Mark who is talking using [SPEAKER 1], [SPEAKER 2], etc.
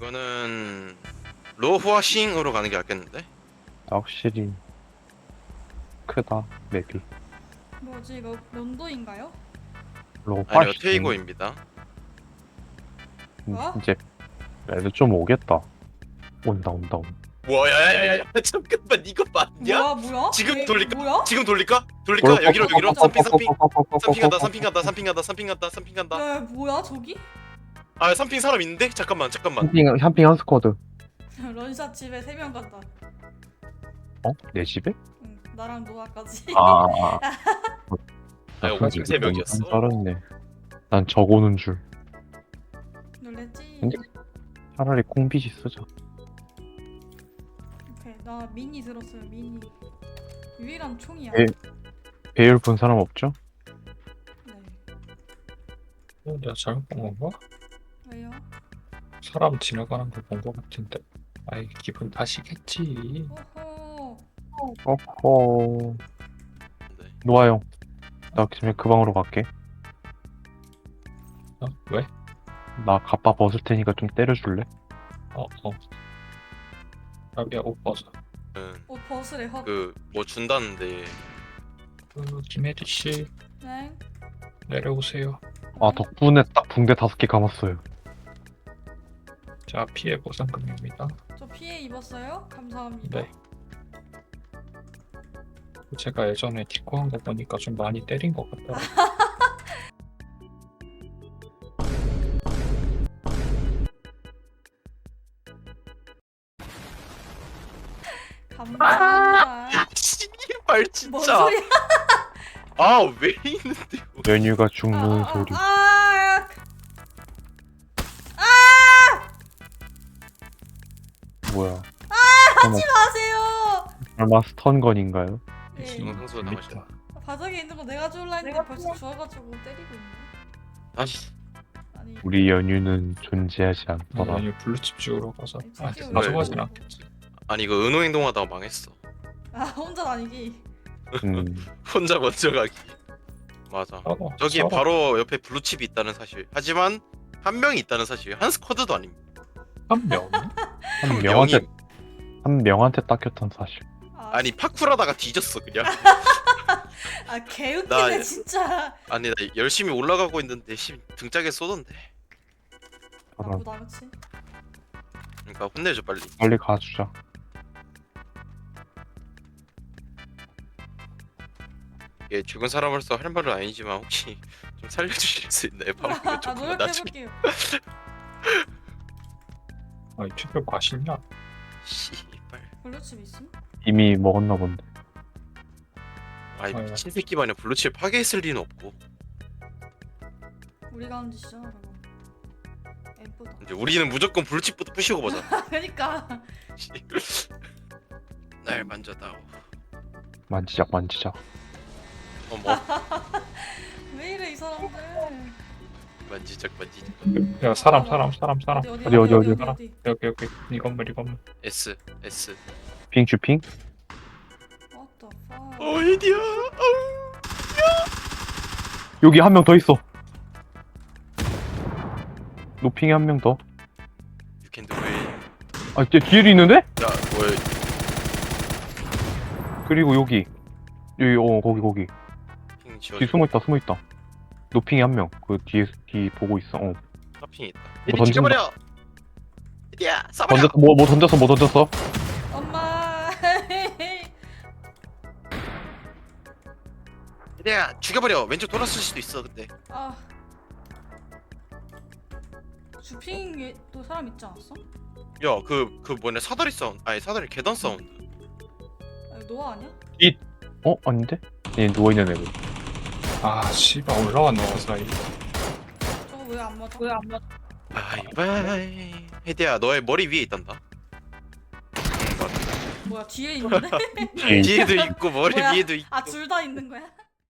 [SPEAKER 1] 이거는 로후아싱으로 가는 게 낫겠는데?
[SPEAKER 2] 확실히 크다 맵이.
[SPEAKER 3] 뭐지 이거 면도인가요?
[SPEAKER 1] 아니요,
[SPEAKER 2] 로파시.
[SPEAKER 1] 테이고입니다.
[SPEAKER 3] 어?
[SPEAKER 2] 이제 애들 좀 오겠다. 온다.
[SPEAKER 1] 뭐야, 야야야야, 잠깐만, 이거 맞냐?
[SPEAKER 3] 뭐야?
[SPEAKER 1] 지금
[SPEAKER 3] 얘
[SPEAKER 1] 돌릴까?
[SPEAKER 3] 뭐야?
[SPEAKER 1] 지금 돌릴까? 여기로 삼핑 간다.
[SPEAKER 3] 야 뭐야 저기?
[SPEAKER 1] 아, 삼핑 사람 있는데? 잠깐만.
[SPEAKER 2] 샴핑 한 스쿼드.
[SPEAKER 3] 런샷 집에 3명 간다.
[SPEAKER 2] 어? 내 집에?
[SPEAKER 3] 응, 나랑 노아까지.
[SPEAKER 2] 아.
[SPEAKER 1] 아, 오직 세 명이었어.
[SPEAKER 2] 떨었네. 난 적오는 줄.
[SPEAKER 3] 놀랬지?
[SPEAKER 2] 근데- 차라리 콩비지 쓰자.
[SPEAKER 3] 오케이 나 미니 들었어요 미니. 유일한 총이야.
[SPEAKER 2] 예. 배율 본 사람 없죠?
[SPEAKER 3] 네.
[SPEAKER 4] 내가 잘못 본 건가?
[SPEAKER 3] 왜요?
[SPEAKER 4] 사람 지나가는 거 본 거 같은데. 아이 기분 탓이겠지.
[SPEAKER 3] 오호.
[SPEAKER 2] 어허.
[SPEAKER 1] 네.
[SPEAKER 2] 노아 형. 나 지금 그 방으로 갈게.
[SPEAKER 4] 어? 왜?
[SPEAKER 2] 나 갑바 벗을 테니까 좀 때려줄래?
[SPEAKER 4] 어. 자기야 옷 벗어.
[SPEAKER 3] 옷 벗으래 헛.
[SPEAKER 1] 뭐 준다는데.
[SPEAKER 4] 김혜지 씨
[SPEAKER 3] 네.
[SPEAKER 4] 내려오세요.
[SPEAKER 2] 아 덕분에 딱 붕대 5개 감았어요.
[SPEAKER 4] 자 피해 보상금입니다.
[SPEAKER 3] 저 피해 입었어요? 감사합니다.
[SPEAKER 4] 네. 제가 예전에 디코 한 거 보니까 좀 많이 때린 것 같더라.
[SPEAKER 3] 감사합니다.
[SPEAKER 1] 씨발,
[SPEAKER 3] 뭔
[SPEAKER 1] 진짜.
[SPEAKER 3] 소리야?
[SPEAKER 1] 아, 왜 있는데요?
[SPEAKER 2] 연유가 죽는 소리.
[SPEAKER 3] 아,
[SPEAKER 2] 뭐야?
[SPEAKER 3] 하지 마세요.
[SPEAKER 2] 설마 스턴건인가요?
[SPEAKER 3] 예.
[SPEAKER 1] 이건 평소에 나가시나?
[SPEAKER 3] 바닥에 있는 거 내가 주울라 했는데 벌써 주워가지고 때리고 있네.
[SPEAKER 1] 다시.
[SPEAKER 3] 아니
[SPEAKER 2] 우리 연유는 존재하지 않더라.
[SPEAKER 4] 아니 블루칩 찍으러 가서 아
[SPEAKER 3] 찍으러
[SPEAKER 4] 가져가진
[SPEAKER 1] 가고.
[SPEAKER 4] 않겠지.
[SPEAKER 1] 아니, 이거 은호 행동하다가 망했어.
[SPEAKER 3] 아 혼자 다니기.
[SPEAKER 1] 혼자 먼저 가기. 맞아. 저기
[SPEAKER 4] 서로.
[SPEAKER 1] 바로 옆에 블루칩이 있다는 사실. 하지만 한 명이 있다는 사실. 한 스쿼드도 아닙니다.
[SPEAKER 4] 한 명.
[SPEAKER 2] 한
[SPEAKER 1] 명이.
[SPEAKER 2] 명한테 한 명한테 딱혔던 사실.
[SPEAKER 1] 아니, 파쿠라다가 뒤졌어 그냥.
[SPEAKER 3] 아 개웃기네
[SPEAKER 1] 나-
[SPEAKER 3] 진짜.
[SPEAKER 1] 아니, 나 열심히 올라가고 있는데 등짝에 쏘던데.
[SPEAKER 3] 나보다 그치?
[SPEAKER 1] 그러니까 혼내줘 빨리.
[SPEAKER 2] 빨리 가주자.
[SPEAKER 1] 예, 죽은 사람으로서 할 말은 아니지만 혹시 좀 살려주실 수 있나요? 방금
[SPEAKER 3] 아
[SPEAKER 1] 조금 나중에.
[SPEAKER 3] 노력해볼게요.
[SPEAKER 4] 아이 투표 과실냐?
[SPEAKER 1] 씨발.
[SPEAKER 3] 블루칩 있음?
[SPEAKER 2] 이미 먹었나 본데.
[SPEAKER 1] 아이,
[SPEAKER 4] 아유.
[SPEAKER 1] 미친 새끼 마냥 블루칩 파괴했을 리는 없고.
[SPEAKER 3] 우리가 하는 짓이잖아 그거. 예쁘다.
[SPEAKER 1] 이제 우리는 무조건 블루칩부터 부시고 보자.
[SPEAKER 3] 그니까.
[SPEAKER 1] 날 만져다오.
[SPEAKER 2] 만지작.
[SPEAKER 1] 어머.
[SPEAKER 3] 왜 이래 이 사람들.
[SPEAKER 1] 만지작.
[SPEAKER 4] 야 사람.
[SPEAKER 2] 어디?
[SPEAKER 4] 여기 이 건물.
[SPEAKER 1] S.
[SPEAKER 2] 핑 주핑?
[SPEAKER 3] What the fuck?
[SPEAKER 1] 어이디야.
[SPEAKER 2] 여기 한 명 더 있어. 노핑에 한 명 더.
[SPEAKER 1] You can do it.
[SPEAKER 2] 아, 뒤에도 있는데?
[SPEAKER 1] 야, 뭐야?
[SPEAKER 2] 그리고 여기 거기
[SPEAKER 1] 핑
[SPEAKER 2] 뒤
[SPEAKER 1] 지워줘.
[SPEAKER 2] 숨어 있다. 노핑에 한 명. 그 뒤 보고 있어.
[SPEAKER 1] 핑 있다.
[SPEAKER 2] 뭐
[SPEAKER 1] 이리
[SPEAKER 2] 던진다.
[SPEAKER 1] 죽여버려. 이디야, 쏴버려.
[SPEAKER 2] 던졌어. 뭐 던졌어?
[SPEAKER 3] 엄마.
[SPEAKER 1] 이디야, 죽여버려. 왼쪽 돌았을 수도 있어. 근데.
[SPEAKER 3] 아. 주핑에 또 사람 있지 않았어?
[SPEAKER 1] 야, 그 뭐냐, 사다리 사운드. 아니, 사다리 계단 사운드.
[SPEAKER 3] 아니, 노아 아니야?
[SPEAKER 2] 아닌데? 얘 누워있는 애들.
[SPEAKER 4] 아 씨발 올라왔네 그 사이.
[SPEAKER 3] 저거 왜 안 맞아?
[SPEAKER 1] 바이바이. 헤디야, 너의 머리 위에 있단다.
[SPEAKER 3] 뭐야 뒤에 있는데?
[SPEAKER 2] 뒤에
[SPEAKER 1] 뒤에도 있고 머리
[SPEAKER 3] 뭐야?
[SPEAKER 1] 위에도 있고.
[SPEAKER 3] 아 둘 다 있는 거야?